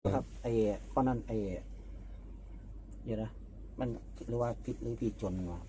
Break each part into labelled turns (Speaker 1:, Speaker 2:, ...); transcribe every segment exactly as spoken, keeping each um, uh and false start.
Speaker 1: ครับไอ้ข้อนั้นไอ้เดี๋ยวนะมันหรือว่าผิดหรือผิดจนวะ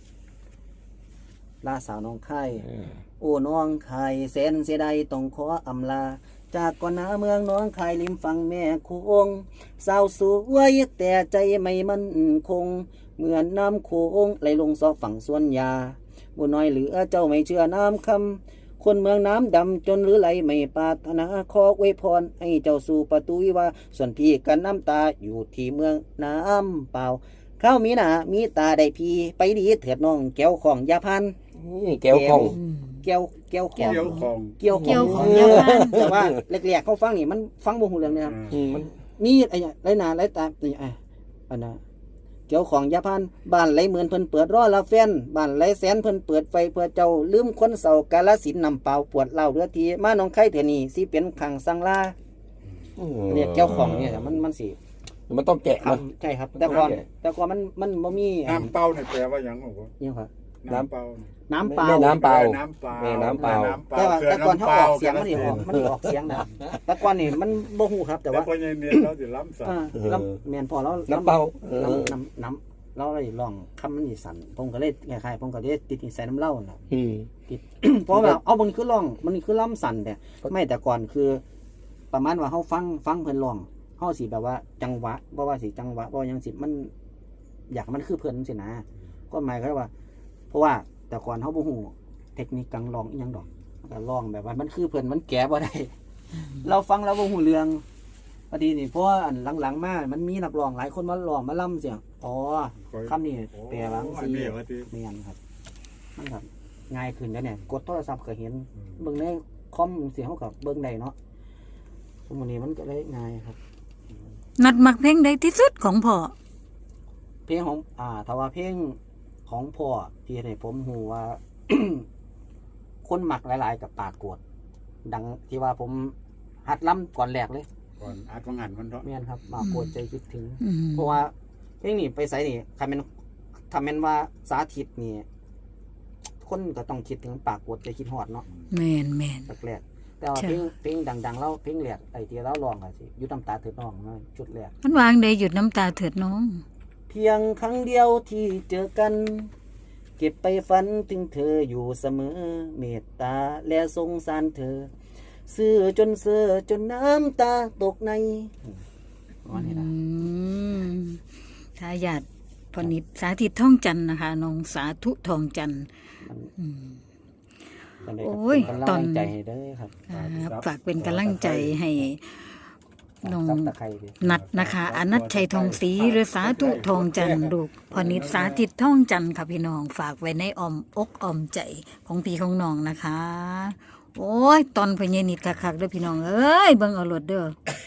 Speaker 1: ลาสาวน้องไข่โอ้น้องไข่แสนเสียดายต้องขออำลาจากก่อนหน้าเมืองน้องไข่ริมฝั่งแม่คงสาวสวยแต่ใจไม่มั่นคงเหมือนน้ำโขงไหลลงซอกฝั่งสวนยาบุญน้อยเหลือเจ้าไม่เชื่อน้ำคำคนเมืองน้ำดำจนหรือไหลไม่ปรารถนาขออวยพรให้เจ้าสู่ประตูวิวาส่วนพี่กันน้ำตาอยู่ที่เมืองน้ำเปล่าข้าวมีหนามีตาได้พี่ไปดีเถิดน้องแก้วของยาพัน
Speaker 2: นี่แก้วของ
Speaker 1: แก้วแก้วของ
Speaker 3: เกี่ยวของ
Speaker 1: เกี่ยว
Speaker 4: เกี่ยว
Speaker 1: ข
Speaker 4: ข
Speaker 1: อ
Speaker 4: อง งยาพัน
Speaker 1: แต่ว่าแรกๆเขาฟังนี่มันฟังบ่ฮู้เรื่องนะครับ
Speaker 2: มัน
Speaker 1: มีไอ้ไรหนาไรตานี่ไอ้อันน่ะเกี่ยวของยาพันบ้านไรเหมือนเพิ่นเปิดรอละแฟนบ้านไรแสนเพิ่นเปิดไฟเพื่อเจ้าลืมคนเศร้ากาลสินนำเปล่าปวดเล่าเรือทีมาน้องไข่เถื่อนี่สิเป็นขังสังลาเรียกเกี่ยวของเนี่ยมันมันสิ
Speaker 2: มันต้องแกะ
Speaker 1: ครั
Speaker 2: มั
Speaker 1: บ
Speaker 2: น
Speaker 1: ใช่ครับ แต่ก่อนแต่ก่อนมันมันบ่มีอัน
Speaker 3: น้ำเปล่าเนี่ยแปลว่าหยังของผม
Speaker 1: เนี่ยครับ
Speaker 3: น้ำเปล่า
Speaker 1: น้ำเปล่า
Speaker 2: แม่น้ำเปล่า
Speaker 3: น้ำเปล่า
Speaker 2: แม่น้ำเปล่า
Speaker 1: แต่ว่า
Speaker 3: เสือ
Speaker 1: แต่ก่อน
Speaker 3: น้ำ
Speaker 1: เขา
Speaker 3: เป
Speaker 1: อ
Speaker 3: ล่า
Speaker 1: อกเสียงมันสิออกมันสิออกเสียงนะแต่ก่อนนี่มันบ่ฮู้ครับแต่
Speaker 3: แต่
Speaker 1: ว่า
Speaker 3: ว่าพอยังเนี่ยเราจะล้ำสัต
Speaker 1: อ่า
Speaker 3: ว์
Speaker 1: ลำแม่นพอแล้ว
Speaker 2: น้ำเปล่าเออ
Speaker 1: น้ำน้ำน้ำเราเลยลองคำมันสิสั่นผมก็เลยคล้ายๆผมก็เลยติดนิสัยน้ำเหล้าน่ะ
Speaker 2: อืม
Speaker 1: ติด เพราะว่าเอามันคือร้องมันคือล้ำสั่นแต่ไม่แต่ก่อนคือ ประมาณว่าเฮาฟังฟังเพิ่นร้องเฮาสิแบบว่าจังหวะบ่ว่าสิจังหวะบ่ว่าหยังสิมันอยากให้มันคือเพิ่นจังซี่นะก็หมายก็ว่า เพราะว่าแต่ก่อนเฮาบ่ฮู้เทคนิคการร้องอีหยังดอกก็ร้องแบบว่ามันคือเพิ่นมันแก้บ่ได้ เราฟังแล้วบ่ฮู้เรื่องพอดีนี่เพราะว่าอันหลังๆมามันมีนักร้องหลายคนมาร้องมาล่ำเสียงอ๋อคำนี้แปลว่า
Speaker 3: โอ้
Speaker 1: สิ
Speaker 3: อันนี้ว่าที่
Speaker 1: แม่นครับมันครับง่ายขึ้นแล้วเนี่ยกดโทรศัพท์ก็เห็นเบิ่งในคอมเสียงเฮาก็เบิ่งได้เนาะสมมุตินี้มันก็เลยง่ายครับ
Speaker 4: นัดมักเพลงใดที่สุดของพ่อ
Speaker 1: เพลงของอ่าถ้าว่าเพลงของพ่อที่ให้ผมฮู้ว่า คนมักหลายๆกับปากกวดดังที่ว่าผมหัดล่ำก่อนแรกเลย
Speaker 3: ก่อนอาจวังหันมันเถอะ
Speaker 1: แม่นครับปากกวดใจคิดถึง
Speaker 4: อืม
Speaker 1: เพราะว่าเพลงนี้ไปใส่นี่ถ้าแม่นถ้าแม่นว่าสาธิตนี่คนก็ต้องคิดถึงปากกวดใจคิดฮอดเนาะ
Speaker 4: แม่นแม่น
Speaker 1: แรกๆแต่ว่าเพลงเพลงดังๆแล้วเพลงแรกไอ้ที่เราร้องก็สิอยู่น้ำตาเถิดน้องนะชุดแรก
Speaker 4: มันวางได้หยุดน้ำตาเถิดน้อง
Speaker 1: เพียงครั้งเดียวที่เจอกัน เก็บไปฝันถึงเธออยู่เสมอเมตตาและสงสารเธอซื้อจนเสือจนน้ำตาตกในวันนี้นะ
Speaker 4: อืมทายาทพนิษฐ์สาธิตท่องจันทร์นะคะน้องสาธุทองจันทร์อืม
Speaker 1: กันได้
Speaker 4: โอ้ย
Speaker 1: เป็น
Speaker 4: ต
Speaker 1: กำ
Speaker 4: อ
Speaker 1: ลั
Speaker 4: น
Speaker 1: งใจให้เด้อครับ
Speaker 4: ครับฝากเป็นกำลังใจให้น้อง
Speaker 1: ซับตะไคร้ดิ
Speaker 4: นัดนะคะอนัทชัยทองศรีหรือสาธุทองจันทร์ลูกพนิษฐ์สาธิตท่องจันทร์ค่ะพี่น้องฝากไว้ในอ้อมอกอ้อมใจของพี่ของน้องนะคะ โอ้ยตอนพญานิดคักๆเด้อพี่น้องเอ้ยเบิ่งเอารถเด้อ